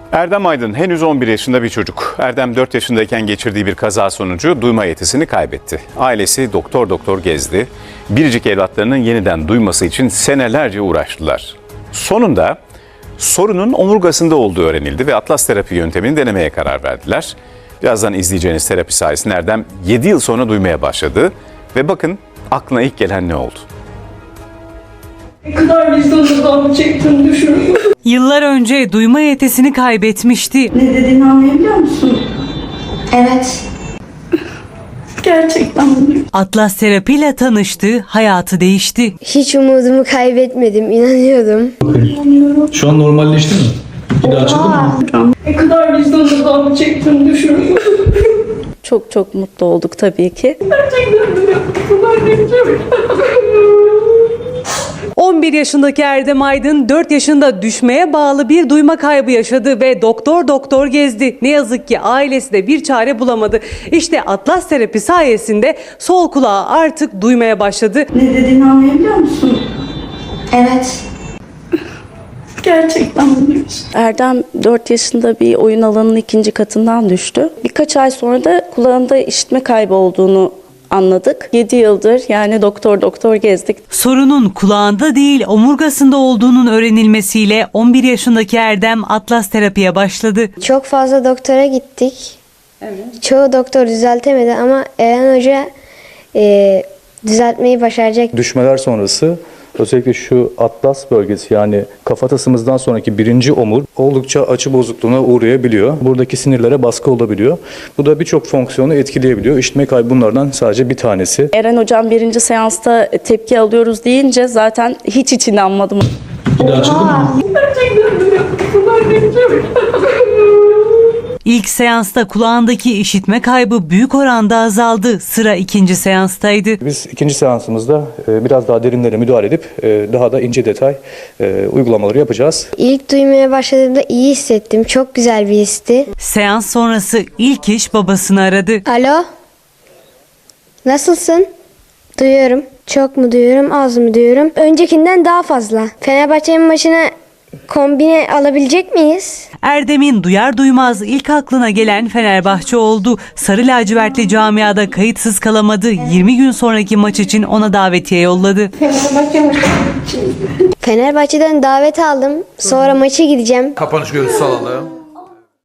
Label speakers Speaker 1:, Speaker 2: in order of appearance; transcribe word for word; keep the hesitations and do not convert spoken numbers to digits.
Speaker 1: Erdem Aydın henüz on bir yaşında bir çocuk. Erdem dört yaşındayken geçirdiği bir kaza sonucu duyma yetisini kaybetti. Ailesi doktor doktor gezdi. Biricik evlatlarının yeniden duyması için senelerce uğraştılar. Sonunda sorunun omurgasında olduğu öğrenildi ve Atlas terapi yöntemini denemeye karar verdiler. Birazdan izleyeceğiniz terapi sayesinde Erdem yedi yıl sonra duymaya başladı. Ve bakın aklına ilk gelen ne oldu?
Speaker 2: Ne kadar vicdanından çektim düşünüyorum.
Speaker 3: Yıllar önce duyma yetisini kaybetmişti.
Speaker 2: Ne dediğini anlayabiliyor musun?
Speaker 4: Evet.
Speaker 2: Gerçekten bunu.
Speaker 3: Atlas terapiyle tanıştı, hayatı değişti.
Speaker 4: Hiç umudumu kaybetmedim, inanıyordum.
Speaker 5: Şu an normalleşti mi? Bir daha açıldı mı?
Speaker 2: Ne kadar vicdanından çektim düşünüyorum.
Speaker 6: Çok çok mutlu olduk tabii ki.
Speaker 2: Gerçekten böyle bunlar ne biçim?
Speaker 3: on bir yaşındaki Erdem Aydın dört yaşında düşmeye bağlı bir duyma kaybı yaşadı ve doktor doktor gezdi. Ne yazık ki ailesi de bir çare bulamadı. İşte Atlas terapi sayesinde sol kulağı artık duymaya başladı.
Speaker 2: Ne dediğini anlayabiliyor musun?
Speaker 4: Evet.
Speaker 2: Gerçekten bunu.
Speaker 6: Erdem dört yaşında bir oyun alanının ikinci katından düştü. Birkaç ay sonra da kulağında işitme kaybı olduğunu anladık. yedi yıldır yani doktor doktor gezdik.
Speaker 3: Sorunun kulağında değil omurgasında olduğunun öğrenilmesiyle on bir yaşındaki Erdem Atlas terapiye başladı.
Speaker 4: Çok fazla doktora gittik. Evet. Çoğu doktor düzeltemedi ama Eren Hoca e, düzeltmeyi başaracak.
Speaker 7: Düşmeler sonrası özellikle şu atlas bölgesi yani kafatasımızdan sonraki birinci omur oldukça açı bozukluğuna uğrayabiliyor. Buradaki sinirlere baskı olabiliyor. Bu da birçok fonksiyonu etkileyebiliyor. İşitme kaybı bunlardan sadece bir tanesi.
Speaker 6: Eren hocam birinci seansta tepki alıyoruz deyince zaten hiç hiç inanmadım.
Speaker 5: Bir daha açıldı mı?
Speaker 2: Gerçekten böyle bunlar ne biçim?
Speaker 3: İlk seansta kulağındaki işitme kaybı büyük oranda azaldı. Sıra ikinci seanstaydı.
Speaker 7: Biz ikinci seansımızda e, biraz daha derinlere müdahale edip e, daha da ince detay e, uygulamaları yapacağız.
Speaker 4: İlk duymaya başladığımda iyi hissettim. Çok güzel bir histi.
Speaker 3: Seans sonrası ilk iş babasını aradı.
Speaker 4: Alo? Nasılsın? Duyuyorum. Çok mu duyuyorum, az mı duyuyorum? Öncekinden daha fazla. Fenerbahçe'nin maçına kombine alabilecek miyiz?
Speaker 3: Erdem'in duyar duymaz ilk aklına gelen Fenerbahçe oldu. Sarı lacivertli camiada kayıtsız kalamadı. yirmi gün sonraki maç için ona davetiye yolladı.
Speaker 4: Fenerbahçe'den davet aldım. Sonra maça gideceğim.
Speaker 8: Kapanış görüntüsü alalım.